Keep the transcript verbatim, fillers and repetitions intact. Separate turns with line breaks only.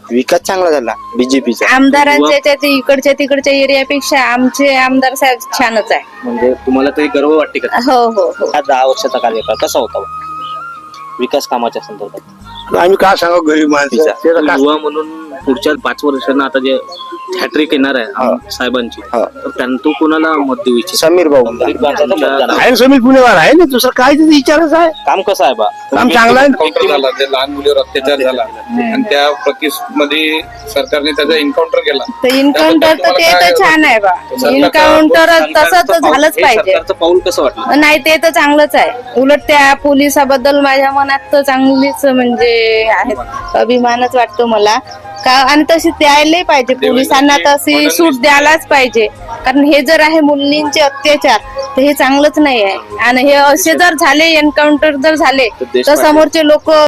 विकास चांगला झाला बीजेपीचा.
आमदारांच्या याच्यात इकडच्या तिकडच्या एरियापेक्षा आमचे आमदार साहेब छानच आहे.
म्हणजे तुम्हाला तरी गर्व वाटते का?
हो हो हो.
हा दहा वर्षाचा कार्यकाळ कसा होता विकास कामाच्या संदर्भात?
आम्ही काय सांगू गरीब माणसाचा
युवा म्हणून पुढच्या पाच वर्षांना आता जे हॅट्रिक येणार आहे आम- साहेबांची,
हा.
तर त्यांना तो कोणाला मत देऊ इच्छित?
समीर भाऊ
गरीब माणसाचं मतदान आहे.
आहे समीर पुणेवार आहे ना, दुसरं काय त्याचा विचारच आहे.
काम कसं आहे बा?
काम चांगलं आहे.
एन्काउंटर झाला, ते लहान मुलीवर अत्याचार झाला आणि त्या मध्ये सरकारने त्याचा एन्काउंटर केला.
तर इन्काउंटर तर ते तर छान आहे बा. इन्काउंटर तसं तर झालंच
हे
पाहिजे.
सरकारचं पाऊल कसं वाटलं?
नाही ते तर चांगलंच आहे. उलट त्या पोलिसाबद्दल माझ्या मनात तर चांगलीच म्हणजे आहेत, अभिमानच वाटतो मला. का आणि तशी द्यायला पाहिजे, पोलिसांना तशी सूट द्यायलाच पाहिजे. कारण हे जर आहे मुलींचे अत्याचार तर हे चांगलंच नाही आहे. आणि हे असे जर झाले, एन्काउंटर जर झाले तर समोरचे लोक